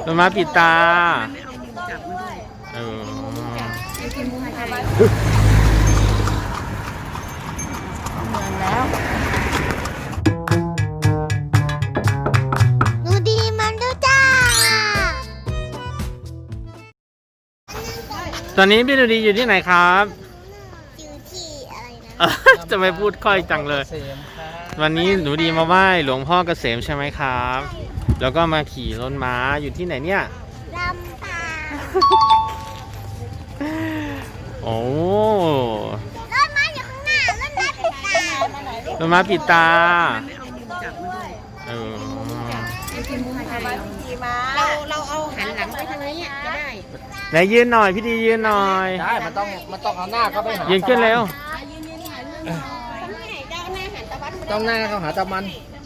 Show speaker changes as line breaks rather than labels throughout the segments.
ต้นไม้ปิดตา
ไม่เอามือจับมันด้วย
เออ
ไอ้กินมือหายใจ
เมืองแล้ว
หนูดีมันด้วยจ้า
ตอนนี้พี่ดูดีอยู่ที่ไหนครับ
อยู่ที่อะไรนะ
จะไม่พูดค่อยจังเลย วันนี้หนูดีมาไหว้หลวงพ่อเกษมใช่ไหมครับ แล้วก็มาขี่รถม้าอยู่ที่ไหนเนี่ย
ลำปาง
โอ้
รถม้าอยู่ข้างหน้ารถม้าปิดตา
รถม้าปิดตา
ไม่เอามือจับมันด้วย
เออ
ไอ้กินมือหายใจเราเอาหันหลังไปทางนี้ก็ได้
ไหนยืนหน่อยพี่ดียืนหน่อย
ได้มันต้องเอาหน้าเข้าไปหา
ยืนขึ้นเร็ว
ต้องหน้าเข้าหาตะวัน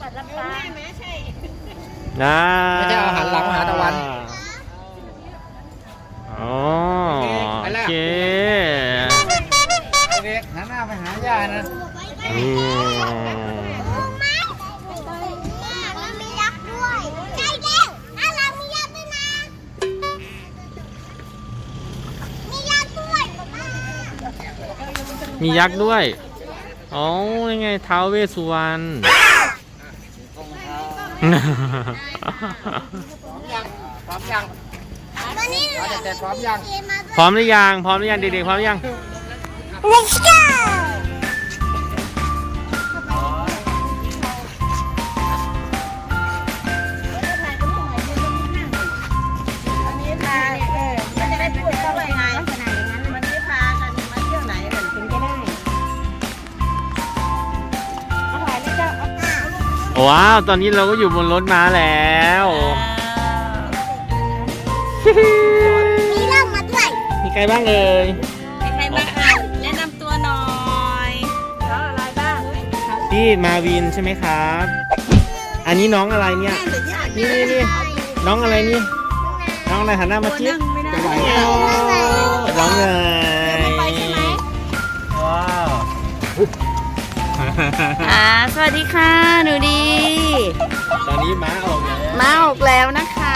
นะ
ไม่ใช่เอาหันหลังหาตะวัน
อ๋อโอเค
เด็กหันหน้าไปหาย่านะ
เรามียักษ์ด้วยใช่แล้วเรามียักษ์ด้วยนะมียักษ์ด้วย
มียักษ์ด้วยอ๋อยังไงท้าวเวสสุวรรณ
พร้อมยัง
ตอนนี้เรา
จะพร้อมยัง
พร้อมหรือยังพร้อมหรือยังเด็กๆพร้อมหรือยัง
Let's go
ว้าวตอนนี้เราก็อยู่บนรถม้าแล้ว
มีเล่ามาด้วย
มีใครบ้างเอ่ย
ใครบ้างคะแนะนำตัวหน่อยเขาอะไรบ้าง
พี่มาวินใช่ไหมครับอันนี้น้องอะไรเนี่ยนี่น้องอะไรนี่น้องอะไรหันหน้ามาจิ๊บน้องเนยว้าว
สวัสดีค่ะหนูดี
ตอนนี้ม้าออกแล้ว
นะคะ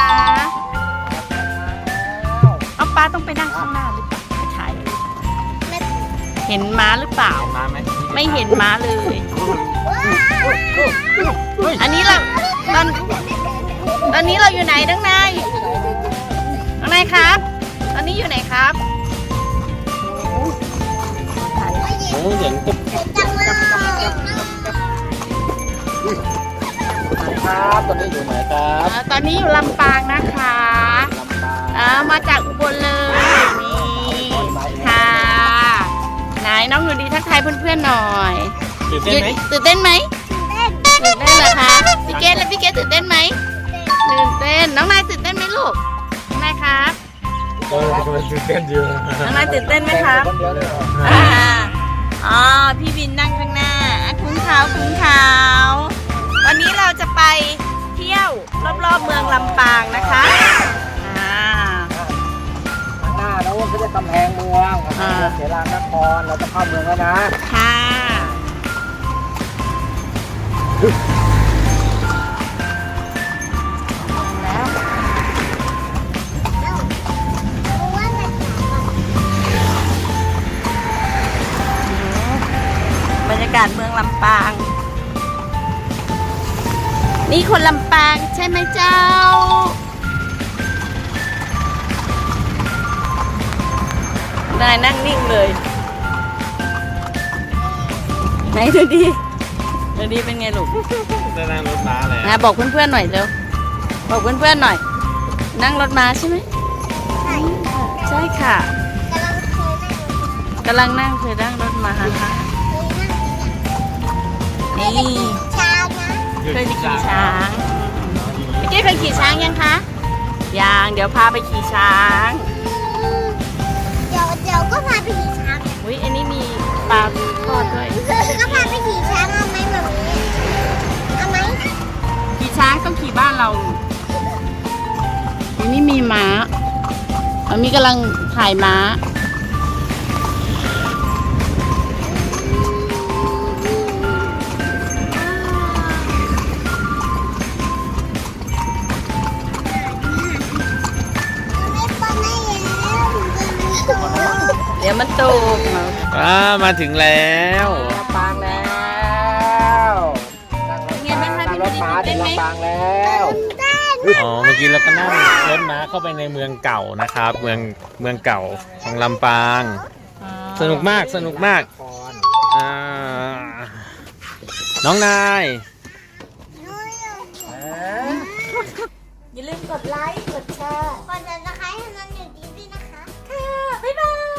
เอาป้าต้องไปนั่งข้างหน้าหรือเปล่าไปถ่ายเห็นม้าหรือเปล่า
ม้าไหม
ไม่เห็นม้าเลยอันนี้เราตอนนี้เราอยู่ไหนด้านในครับตอนนี้อยู่ไหนครับ
โอ้เห็นตุ๊บครับตอนนี้อยู่ไหนครับ
ตอนนี้อยู่ลำปางนะคะมาจากอุบลเลยนี่ค่ะไหนน้องหนูดีทักทายเพื่อนๆหน่อย
ตื่นเต้นไหม
ตื่นเต้นไหมตื่นเต้นเหรอคะพี่เกดและพี่เกดตื่นเต้นไหมตื่นเต้นน้องนายตื่นเต้นไหมลูกน้องนายครับ
ตื่นเต้นอยู่
น้องนายตื่นเต้นไหมครับอ๋อพี่วินนั่งข้างหน้าคุ้งขาววันนี้เราจะไปเที่ยวรอบๆเมืองลำปางนะคะ
หน้าแล้วก็จะกำแพงเมืองเสรานครเราจะเข้าเมืองแล้วนะ
ค่ะบรรยากาศเมืองลำปางนี่คนลำปางใช่ไหมเจ้านายนั่งนิ่งเลยไหนดูดีเป็นไงลูก
ได้นั่งรถม้าแล้ว
บอกเพื่อนๆหน่อยเร็วบอกเพื่อนๆหน่อยนั่งรถม้าใช่ไหมใช่ค่ะกำลังนั่งเคยนั่งรถม้าค่ะนี่เคยขี่ช้างพี่เก้เคยขี่ช้างยังคะยังเดี๋ยวพาไปขี่ช้าง
เดี๋ยวก็พาไปขี่ช้าง
อุ้ยอันนี้มีปลาทอดด้วย
ก็พาไปขี่ช้างเอาไหมแบบนี้เอาไหม
ขี่ช้างต้องขี่บ้านเราอันนี้มีม้ามีกำลังถ่ายม้ายวมันตก
มาถึงแล้ว
ลำปางแล้ว
ไงบ้างคะ
นั่งรถ
พี่
ม้า
ดูดิ
ถึง
เต้นไหม
ลำปางแล้ว
อ๋อ เมื่อกี้เราก็นั่งรถม้าเข้าไปในเมืองเก่านะครับ เมืองเก่าของลำปาง สนุกมาก สนุกมาก อ่า น้องนาย
อย่าลืมกดไลค์ กดแชร์
ก่อนจะนะคะให้น้องอยู่ดีด้วยนะคะ
ค่ะ บ๊ายบาย